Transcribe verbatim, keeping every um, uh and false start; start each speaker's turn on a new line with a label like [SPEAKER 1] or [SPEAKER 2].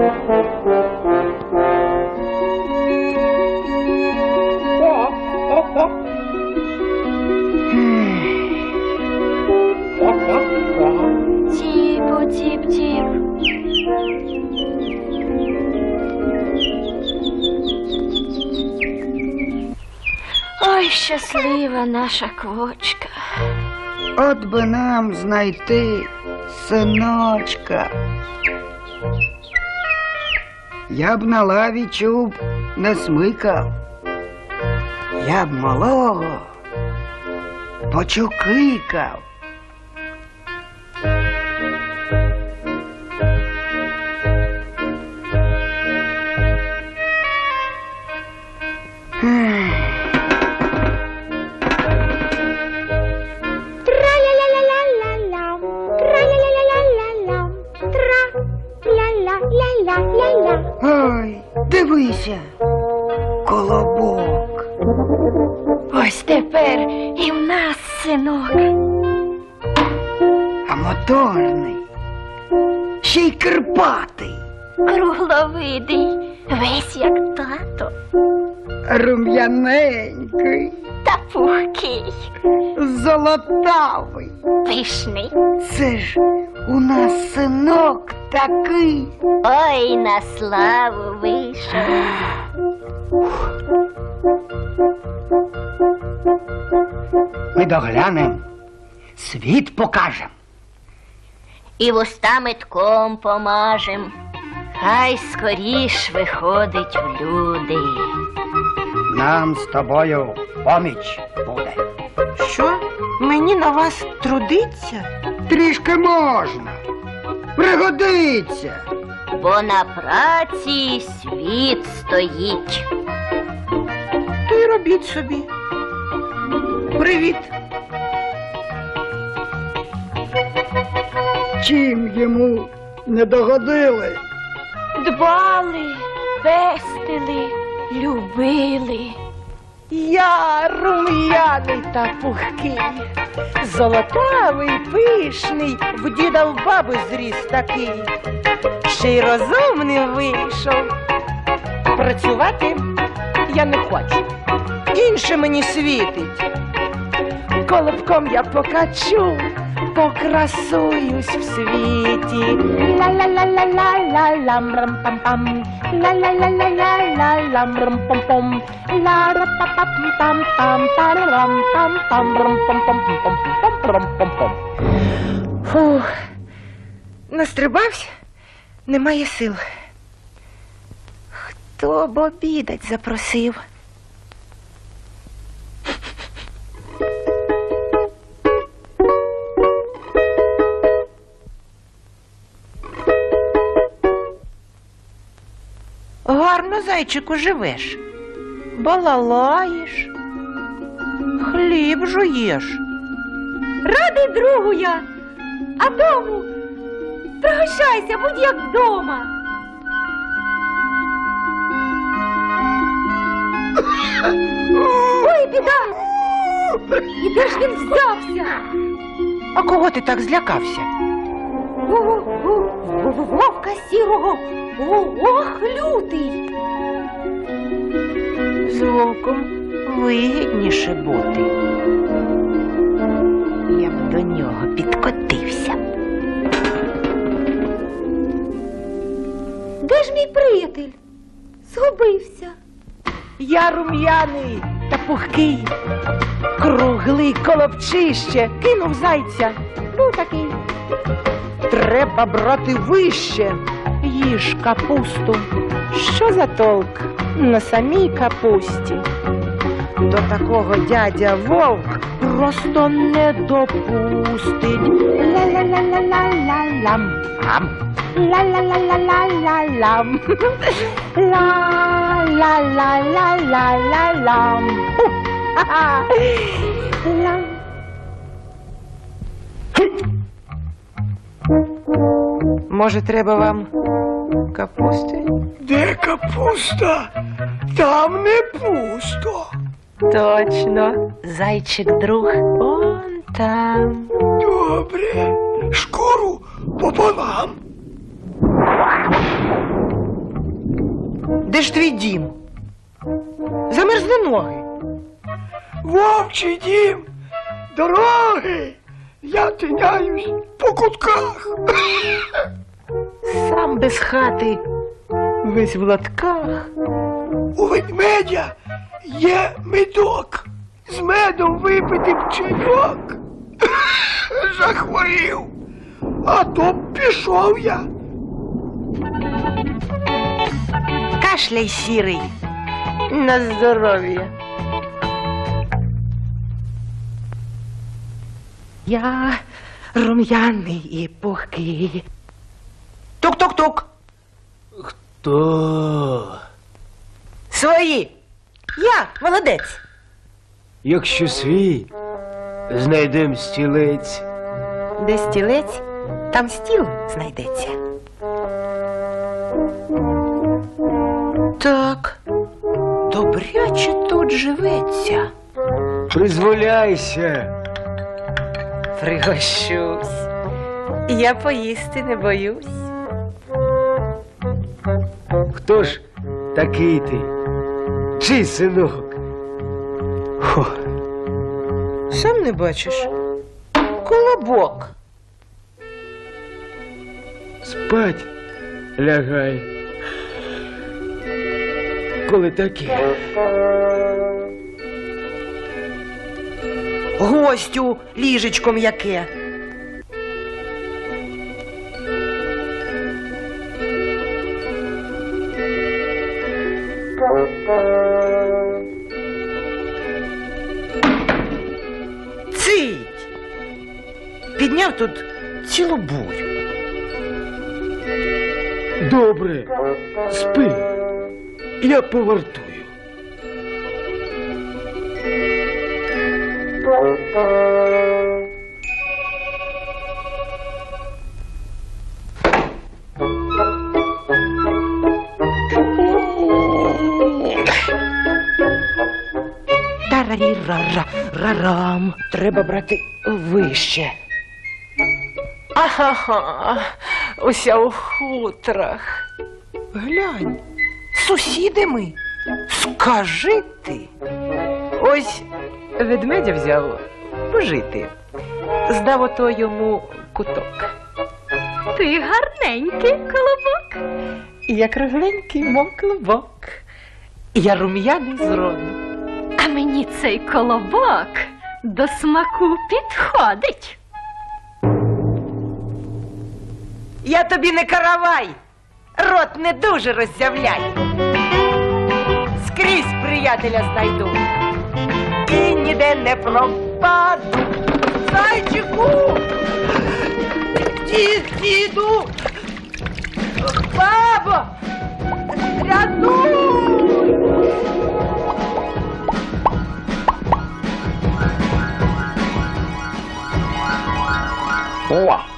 [SPEAKER 1] Тіп-тіп-тіп. Ой, щаслива наша квочка.
[SPEAKER 2] От би нам знайти синочка. Я б на лаві чуб не смикав. Я б малого почукикав. Ой, дивися, колобок.
[SPEAKER 1] Ось тепер і в нас синок.
[SPEAKER 2] А моторний, ще й кирпатий,
[SPEAKER 1] Кругловидий, весь як тато,
[SPEAKER 2] рум'яненький,
[SPEAKER 1] та пухкий,
[SPEAKER 2] золотавий.
[SPEAKER 1] пишний.
[SPEAKER 2] Це ж у нас синок такий.
[SPEAKER 1] Ой, на славу вийшов.
[SPEAKER 2] Ми доглянем, світ покажем.
[SPEAKER 1] І вуста метком помажем. Хай скоріш виходить в люди.
[SPEAKER 2] Нам з тобою поміч буде.
[SPEAKER 3] Що? Мені на вас трудиться?
[SPEAKER 2] Трішки можна. Пригодиться.
[SPEAKER 1] Бо на праці світ стоїть.
[SPEAKER 3] То й робіть собі. Привіт.
[SPEAKER 2] Чим йому не догодили?
[SPEAKER 1] Дбали, пестили, любили.
[SPEAKER 3] Я рум'яний та пухкий, золотавий, пишний, в діда в баби зріс такий. Ще й розумний вийшов. Працювати я не хочу. Інше мені світить. Колобком я покачу, покрасуюсь в світі. Ла-ла-ла-ла-ла-ла-лам рам-пам-пам. Ла-ла-ла-ла-ла-ла-лам рам-пам-пам. Ла-ра-па-пам-пам-пам. Та-рам-пам-пам. Рам-пам-пам-пам-пам-пам-пам. Фух, настрибався, немає сил. Хто б обідать запросив? Гарно, зайчику, живеш. Балалаєш, хліб жуєш.
[SPEAKER 4] Радий другу я, а дому пригощайся, будь як вдома. Ой, біда! І де ж він взявся?
[SPEAKER 3] А кого ти так злякався?
[SPEAKER 4] Вовка сірого, ох, лютий.
[SPEAKER 3] З вовком вигідніше бути. Я б до нього підкотився.
[SPEAKER 4] Де ж мій приятель? Згубився.
[SPEAKER 3] Я рум'яний та пухкий, круглий колобчище, кинув зайця.
[SPEAKER 4] Був такий.
[SPEAKER 3] Треба брати вище, їж капусту. Що за толк на самій капусті? До такого дядя вовк просто не допустить. Ла-ла-ла-ла-ла-ла-лам. Ам. Ла-ла-ла-ла-ла-ла-лам. Ла-ла-ла-ла-ла-ла-лам. Ха-ха. Лам. Може, треба вам капусти?
[SPEAKER 2] Де капуста? Там не пусто.
[SPEAKER 3] Точно. Зайчик-друг он там.
[SPEAKER 2] Добре. Шкуру пополам.
[SPEAKER 3] Це ж твій дім. Замерзли ноги.
[SPEAKER 2] Вовчий дім, дороги, я тиняюсь по кутках.
[SPEAKER 3] Сам без хати, весь в латках.
[SPEAKER 2] У ведмедя є медок. З медом випити б чайок. Захворів. А то б пішов я.
[SPEAKER 3] Кашляй, сірий. На здоров'я. Я рум'яний і пухкий. Тук-тук-тук.
[SPEAKER 5] То,
[SPEAKER 3] Свої. Я, молодець.
[SPEAKER 5] якщо свій, знайдем стілець.
[SPEAKER 3] Де стілець, там стіл знайдеться. Так, добряче тут живеться.
[SPEAKER 5] Призволяйся.
[SPEAKER 3] Пригощусь. Я поїсти не боюсь.
[SPEAKER 5] Хто ж такий ти? Чий синок? Хо,
[SPEAKER 3] Сам не бачиш? Колобок.
[SPEAKER 5] спать лягай. Коли таке.
[SPEAKER 3] Гостю ліжечком яке. Цить! Підняв тут цілу бурю.
[SPEAKER 5] Добре, спи. Я повартую.
[SPEAKER 3] Тарарі-ра-ра-рам. Треба брати вище. Ага, уся у хутрах. Глянь, сусіди ми. Скажи ти. Ось ведмедя взяв пожити. Здав ото йому куток.
[SPEAKER 1] Ти гарненький, колобок.
[SPEAKER 3] Я кругленький, мов клубок. Я рум'яний зроду.
[SPEAKER 1] А мені цей колобок до смаку підходить.
[SPEAKER 3] Я тобі не каравай, рот не дуже роззявляй. Скрізь приятеля знайду і ніде не пропаду. Зайчику! Дід, діду! Бабо! Рятуй!
[SPEAKER 5] О!